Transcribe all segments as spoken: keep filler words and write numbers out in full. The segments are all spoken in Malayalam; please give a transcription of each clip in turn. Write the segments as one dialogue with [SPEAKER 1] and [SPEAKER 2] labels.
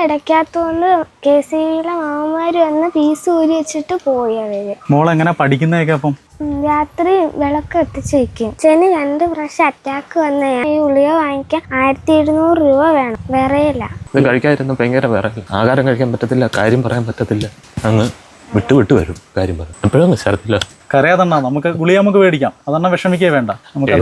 [SPEAKER 1] അടയ്ക്കാത്തോണ്ട് കെ സി ബിയിലെ മാമന്മാര് വന്ന് ഫീസ് ഊരി വെച്ചിട്ട് പോയി അവര്.
[SPEAKER 2] മോൾ എങ്ങനെ പഠിക്കുന്നതൊക്കെ? അപ്പം
[SPEAKER 1] രാത്രി വിളക്ക് എത്തിച്ച് വെക്കും. ചെന്ന് രണ്ട് പ്രാവശ്യം അറ്റാക്ക് വന്ന ഈ ഗുളിക വാങ്ങിക്കാൻ ആയിരത്തി എഴുന്നൂറ് രൂപ വേണം. വിറയില്ല,
[SPEAKER 3] ഇത് കഴിക്കാതിരുന്ന ഭയങ്കര വിറയില്ല, ആഹാരം കഴിക്കാൻ പറ്റത്തില്ല, കാര്യം പറയാൻ പറ്റത്തില്ല, അങ്ങ് വിട്ടു വിട്ടു വരും കാര്യം പറയാം. എപ്പോഴും ശരത്തില്ല
[SPEAKER 2] കരയാതെണ്ണ നമുക്ക് ഗുളിക നമുക്ക് മേടിക്കാം, അതെണ്ണ വിഷമിക്കേ വേണ്ട.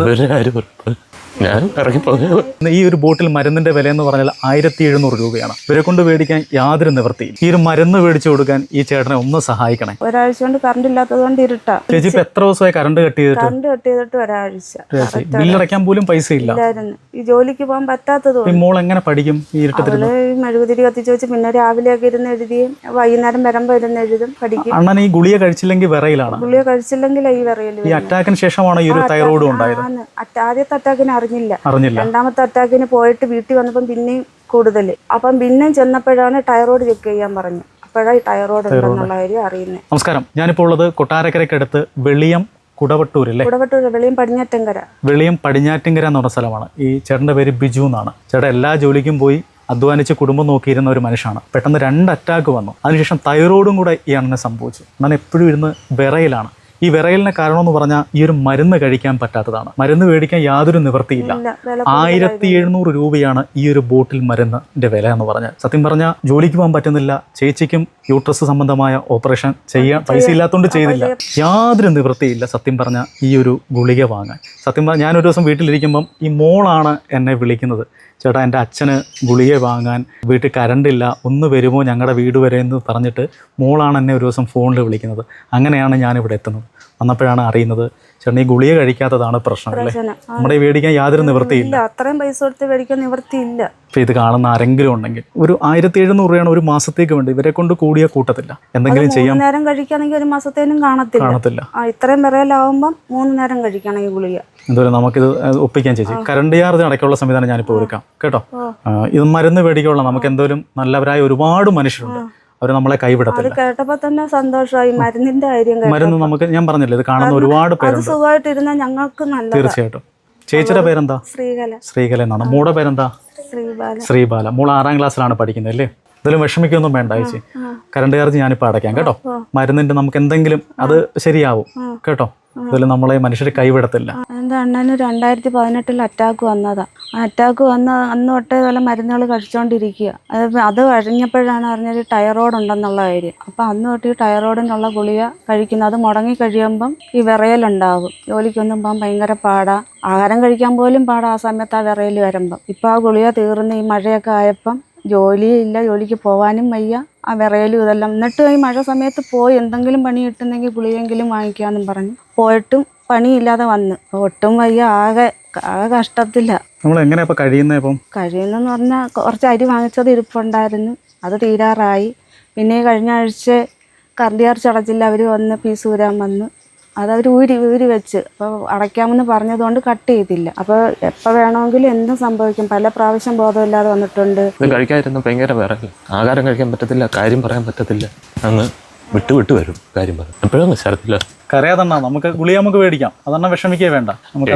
[SPEAKER 2] നമുക്ക്
[SPEAKER 3] ഞാൻ ഇറങ്ങിപ്പോകും.
[SPEAKER 2] ഈ ഒരു ബോട്ടിൽ മരുന്നിന്റെ വില എന്ന് പറഞ്ഞാൽ ആയിരത്തി എഴുന്നൂറ് രൂപയാണ്. ഇവരെ കൊണ്ട് മേടിക്കാൻ യാതൊരു നിവൃത്തിയും. ഈ ഒരു മരുന്ന് മേടിച്ചു കൊടുക്കാൻ ഈ ചേട്ടനെ ഒന്ന് സഹായിക്കണേ.
[SPEAKER 4] ഒരാഴ്ച കൊണ്ട് കറണ്ട് ഇല്ലാത്തത് കൊണ്ട് ഇരുട്ടാ.
[SPEAKER 2] ചേച്ചി ഇപ്പൊ എത്ര ദിവസമായി കറണ്ട് കട്ട് ചെയ്തിട്ട്?
[SPEAKER 4] കറണ്ട് കട്ട് ചെയ്തിട്ട് ഒരാഴ്ച.
[SPEAKER 2] ബില്ലടയ്ക്കാൻ പോലും പൈസ ഇല്ല.
[SPEAKER 4] ഈ ജോലിക്ക് പോകാൻ പറ്റാത്തത്.
[SPEAKER 2] മോൾ എങ്ങനെ പഠിക്കും ഈ ഇരുട്ടത്തിൽ?
[SPEAKER 4] മെഴുകുതിരി കത്തിച്ച് വെച്ച് പിന്നെ രാവിലെയൊക്കെ ഇരുന്ന് എഴുതിയും വൈകുന്നേരം വരുമ്പോ ഇരുന്ന് എഴുതും, പഠിക്കും.
[SPEAKER 2] അണ്ണൻ ഈ ഗുളിക കഴിച്ചില്ലെങ്കിൽ വിറയിലാണ്.
[SPEAKER 4] ഗുളിക കഴിച്ചില്ലെങ്കിൽ ഈ വിറയില്.
[SPEAKER 2] ഈ അറ്റാക്കിന് ശേഷമാണ് ഈ ഒരു തൈറോയിഡ് ഉണ്ടായത്.
[SPEAKER 4] ആദ്യത്തെ അറ്റാക്കിന് അറിഞ്ഞില്ല,
[SPEAKER 2] അറിഞ്ഞില്ല.
[SPEAKER 4] രണ്ടാമത്തെ അറ്റാക്കിന് പോയിട്ട് വീട്ടിൽ വന്നപ്പം പിന്നെയും കൂടുതൽ. അപ്പം പിന്നെയും ചെന്നപ്പോഴാണ് ടൈറോയിഡ് ചെക്ക് ചെയ്യാൻ പറഞ്ഞു. അപ്പോഴാണ് ടൈറോയിഡ് ഉണ്ടെന്നുള്ള കാര്യം അറിയുന്നത്.
[SPEAKER 2] നമസ്കാരം, ഞാനിപ്പോൾ ഉള്ളത് കൊട്ടാരക്കരയ്ക്കടുത്ത് വെളിയം കുടവട്ടൂരല്ലേ?
[SPEAKER 4] കുടവട്ടൂർ, വെളിയം പടിഞ്ഞാറ്റിൻകര.
[SPEAKER 2] വെളിയം പടിഞ്ഞാറ്റിൻകര എന്ന് പറഞ്ഞ സ്ഥലമാണ്. ഈ ചേട്ടൻ്റെ പേര് ബിജു എന്നാണ്. ചേട്ടൻ എല്ലാ ജോലിക്കും പോയി അധ്വാനിച്ച് കുടുംബം നോക്കിയിരുന്ന ഒരു മനുഷ്യനാണ്. പെട്ടെന്ന് രണ്ട് അറ്റാക്ക് വന്നു. അതിനുശേഷം തൈറോയിഡും കൂടെ ഈ അണ്ണനെ സംഭവിച്ചു. ഞാൻ എപ്പോഴും ഇരുന്ന് വിറയിലാണ്. ഈ വിറയലിന് കാരണമെന്ന് പറഞ്ഞാൽ ഈ ഒരു മരുന്ന് കഴിക്കാൻ പറ്റാത്തതാണ്. മരുന്ന് മേടിക്കാൻ യാതൊരു നിവൃത്തിയില്ല. ആയിരത്തി എഴുന്നൂറ് രൂപയാണ് ഈ ഒരു ബോട്ടിൽ മരുന്നിന്റെ വില എന്ന് പറഞ്ഞാൽ. സത്യം പറഞ്ഞാൽ ജോലിക്ക് പോകാൻ പറ്റുന്നില്ല. ചേച്ചിക്കും യൂട്രസ് സംബന്ധമായ ഓപ്പറേഷൻ ചെയ്യാൻ പൈസ ഇല്ലാത്തതുകൊണ്ട് ചെയ്തില്ല. യാതൊരു നിവൃത്തിയില്ല സത്യം പറഞ്ഞാൽ ഈ ഒരു ഗുളിക വാങ്ങാൻ. സത്യം പറഞ്ഞാൽ ഞാനൊരു ദിവസം വീട്ടിലിരിക്കുമ്പം ഈ മോളാണ് എന്നെ വിളിക്കുന്നത്. ചേട്ടാ, എൻ്റെ അച്ഛന് ഗുളിക വാങ്ങാൻ വീട്ടിൽ കറണ്ടില്ല, ഒന്ന് വരുമോ ഞങ്ങളുടെ വീട് വരെ എന്ന് പറഞ്ഞിട്ട് മോളാണ് എന്നെ ഒരു ദിവസം ഫോണിൽ വിളിക്കുന്നത്. അങ്ങനെയാണ് ഞാനിവിടെ എത്തുന്നത്. വന്നപ്പോഴാണ് അറിയുന്നത് ചേട്ടൻ ഈ ഗുളിക കഴിക്കാത്തതാണ് പ്രശ്നം അല്ലേ? നമ്മുടെ മേടിക്കാൻ യാതൊരു നിവൃത്തിയില്ല.
[SPEAKER 4] അത്രയും പൈസ കൊടുത്ത് മേടിക്കാൻ നിവൃത്തിയില്ല.
[SPEAKER 2] ഇപ്പം ഇത് കാണുന്ന ആരെങ്കിലും ഉണ്ടെങ്കിൽ ഒരു ആയിരത്തി എഴുന്നൂറ് രൂപയാണ് ഒരു മാസത്തേക്ക് വേണ്ടി. ഇവരെ കൊണ്ട് കൂടിയ കൂട്ടത്തില്ല. എന്തെങ്കിലും ചെയ്യാം.
[SPEAKER 4] നേരം കഴിക്കുകയാണെങ്കിൽ ഒരു മാസത്തേനും കാണത്തില്ല
[SPEAKER 2] കാണത്തില്ല
[SPEAKER 4] ഇത്രയും വിറയിലാവുമ്പം മൂന്ന് നേരം കഴിക്കണം ഈ ഗുളിക.
[SPEAKER 2] എന്തായാലും നമുക്കിത് ഒപ്പിക്കാൻ ചേച്ചി. കറണ്ട് ചാർജ് അടയ്ക്കാനുള്ള സംവിധാനം ഞാനിപ്പോൾ ഒരുക്കാം കേട്ടോ. ഇത് മരുന്ന് മേടിക്കാനുള്ള നമുക്ക് എന്തായാലും നല്ലവരായ ഒരുപാട് മനുഷ്യരുണ്ട്. അവർ നമ്മളെ കൈവിടത്തില്ല.
[SPEAKER 4] കേട്ടപ്പോ തന്നെ സന്തോഷമായി. മരുന്നിന്റെ കാര്യം
[SPEAKER 2] മരുന്ന് നമുക്ക് ഞാൻ പറഞ്ഞില്ലേ, ഇത് കാണുന്ന ഒരുപാട് പേരുണ്ട്.
[SPEAKER 4] സുഖമായിട്ടിരുന്ന ഞങ്ങൾക്ക് നല്ല.
[SPEAKER 2] തീർച്ചയായിട്ടും. ചേച്ചിയുടെ പേരെന്താ?
[SPEAKER 4] ശ്രീകല.
[SPEAKER 2] ശ്രീകല എന്നാണ്. മോളുടെ പേരെന്താ?
[SPEAKER 4] ശ്രീബാല.
[SPEAKER 2] ശ്രീബാല. മോൾ ആറാം ക്ലാസ്സിലാണ് പഠിക്കുന്നത് അല്ലേ? ഇതിലും വിഷമിക്കൊന്നും വേണ്ട ചേച്ചി. കറണ്ട് ചാർജ് ഞാനിപ്പോൾ അടയ്ക്കാം കേട്ടോ. മരുന്നിന്റെ നമുക്ക് എന്തെങ്കിലും അത് ശരിയാവും കേട്ടോ. ഇതിൽ നമ്മളെ മനുഷ്യരെ കൈവിടത്തില്ല.
[SPEAKER 4] എൻ്റെ അണ്ണന് രണ്ടായിരത്തി പതിനെട്ടിൽ അറ്റാക്ക് വന്നതാ. ആ അറ്റാക്ക് വന്ന അന്ന് തൊട്ടേ ഇതുപോലെ മരുന്നുകൾ കഴിച്ചുകൊണ്ടിരിക്കുക. അത് അത് കഴിഞ്ഞപ്പോഴാണ് അറിഞ്ഞത് ടൈറോയിഡ് ഉണ്ടെന്നുള്ള കാര്യം. അപ്പം അന്ന് തൊട്ട് ഈ ടൈറോയിഡിനുള്ള ഗുളിക കഴിക്കുന്നത്. അത് മുടങ്ങി കഴിയുമ്പം ഈ വിറയലുണ്ടാകും. ജോലിക്കൊന്നും പോകാൻ ഭയങ്കര പാടാ. ആഹാരം കഴിക്കാൻ പോലും പാടാ ആ സമയത്ത് ആ വിറയൽ വരുമ്പം. ഇപ്പം ആ ഗുളിക തീർന്ന് ഈ മഴയൊക്കെ ആയപ്പം ജോലിയില്ല, ജോലിക്ക് പോകാനും വയ്യ, ആ വിറയലും ഇതെല്ലാം. എന്നിട്ട് ഈ മഴ സമയത്ത് പോയി എന്തെങ്കിലും പണി കിട്ടുന്നെങ്കിൽ ഗുളികയെങ്കിലും വാങ്ങിക്കാമെന്നും പറഞ്ഞു പോയിട്ടും പണിയില്ലാതെ വന്ന് ഒട്ടും വയ്യ. ആകെ ആകെ കഷ്ടത്തില്ല.
[SPEAKER 2] നമ്മൾ എങ്ങനെയാ ഇപ്പം കഴിയുന്നത്? ഇപ്പം
[SPEAKER 4] കഴിയുന്നെന്ന് പറഞ്ഞാൽ കുറച്ച് അരി വാങ്ങിച്ചത് ഇരിപ്പുണ്ടായിരുന്നു, അത് തീരാറായി. പിന്നെ കഴിഞ്ഞ ആഴ്ച കറണ്ട് ചാർജ് അടച്ചില്ല, അവർ വന്ന് ഫീസ് ഊരാൻ വന്ന് അതവർ ഊരി ഊരി വെച്ച്. അപ്പോൾ അടയ്ക്കാമെന്ന് പറഞ്ഞതുകൊണ്ട് കട്ട് ചെയ്തില്ല. അപ്പോൾ എപ്പോൾ വേണമെങ്കിലും എന്തും സംഭവിക്കും. പല പ്രാവശ്യം ബോധമില്ലാതെ വന്നിട്ടുണ്ട്.
[SPEAKER 3] ഇത് കഴിക്കാതിരുന്ന ഭയങ്കര വിറയില്ല, ആഹാരം കഴിക്കാൻ പറ്റത്തില്ല, കാര്യം പറയാൻ പറ്റത്തില്ല, അങ്ങ് വിട്ടു വിട്ടു വരും കാര്യം പറയാം. എപ്പോഴും ശരത്തില്ല
[SPEAKER 2] കരയാതെണ്ണ നമുക്ക് ഗുളിക നമുക്ക് മേടിക്കാം, അതെണ്ണ വിഷമിക്കേ വേണ്ട. നമുക്ക്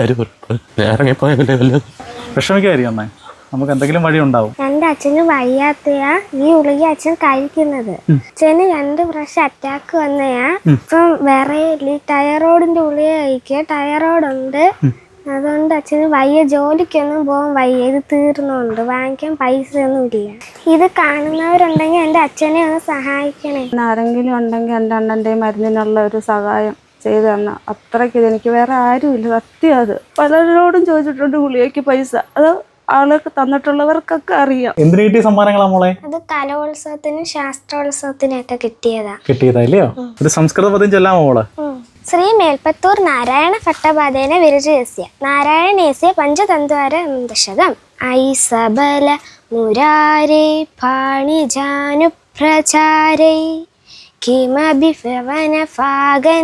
[SPEAKER 3] ഞാൻ ഇറങ്ങിപ്പോയല്ലേ വല്ലതും
[SPEAKER 2] വിഷമിക്കായിരിക്കും അമ്മേ. നമുക്ക് എന്തെങ്കിലും വഴി ഉണ്ടാവും.
[SPEAKER 1] എന്റെ അച്ഛന് വയ്യാത്തയാ ഈ ഗുളിക അച്ഛൻ കഴിക്കുന്നത്. അച്ഛന് രണ്ട് പ്രാവശ്യം അറ്റാക്ക് വന്നയാ. ഇപ്പം വിറയില്ല, ടൈറോയിഡിന്റെ ഗുളിക കഴിക്കുക. ടൈറോയിഡ് ഉണ്ട്, അതുകൊണ്ട് അച്ഛന് വയ്യ, ജോലിക്കൊന്നും പോകാൻ വയ്യ. ഇത് തീർന്നുണ്ട്, വാങ്ങിക്കാൻ പൈസ ഒന്നും ഇല്ല. ഇത് കാണുന്നവരുണ്ടെങ്കിൽ എൻ്റെ അച്ഛനെ ഒന്ന് സഹായിക്കണേ.
[SPEAKER 4] ആരെങ്കിലും ഉണ്ടെങ്കിൽ എൻ്റെ അണ്ണൻ്റെ മരുന്നിനുള്ള ഒരു സഹായം ചെയ്തു തന്ന അത്രയ്ക്ക് ഇതെനിക്ക് വേറെ ആരുമില്ല. സത്യം അത് പലരോടും ചോദിച്ചിട്ടുണ്ട് ഗുളികയ്ക്ക് പൈസ. അത് ആളൊക്കെ തന്നിട്ടുള്ളവർക്കൊക്കെ അറിയാം.
[SPEAKER 2] എന്തിനു കിട്ടിയ സമ്മാനങ്ങളാ മോളെ?
[SPEAKER 1] അത് കലോത്സവത്തിനും ശാസ്ത്രോത്സവത്തിനും ഒക്കെ കിട്ടിയതാ.
[SPEAKER 2] കിട്ടിയതല്ലയോ? ഒരു സംസ്കൃത പദം ചൊല്ലാമോ മോളെ?
[SPEAKER 1] ശ്രീ മേൽപ്പത്തൂർ നാരായണ ഭട്ടപാദേന വിരചയസ്യ നാരായണേസ്യ പഞ്ചതന്ത്വാര ദശകം ഐസബല മുരാരേ പാണിജാനുപ്രചാരൈ കിമഭി ഫവന ഫാഗൻ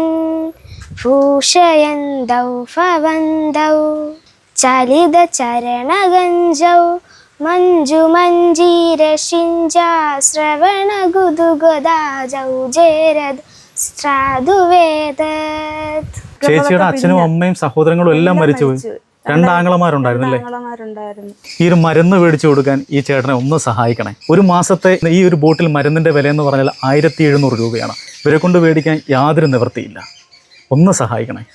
[SPEAKER 1] ഭൂഷയന്തൗ ഫവന്തൗ ചലിത ചരണഗഞ്ജൗ മഞ്ജുമഞ്ജീരശിഞ്ചാ ശ്രവണ ഗുദുഗദാജൗ ജേരദ്
[SPEAKER 2] ചേച്ചിയുടെ അച്ഛനും അമ്മയും സഹോദരങ്ങളും എല്ലാം മരിച്ചുപോയി. രണ്ടാങ്ങളമാരുണ്ടായിരുന്നല്ലേ?
[SPEAKER 4] ആങ്ങളമാരുണ്ടായിരുന്നു.
[SPEAKER 2] ഈ ഒരു മരുന്ന് മേടിച്ചു കൊടുക്കാൻ ഈ ചേട്ടനെ ഒന്ന് സഹായിക്കണേ. ഒരു മാസത്തെ ഈ ഒരു ബോട്ടിൽ മരുന്നിന്റെ വില എന്ന് പറഞ്ഞാൽ ആയിരത്തി എഴുന്നൂറ് രൂപയാണ്. ഇവരെ കൊണ്ട് മേടിക്കാൻ യാതൊരു നിവൃത്തിയില്ല. ഒന്ന് സഹായിക്കണേ.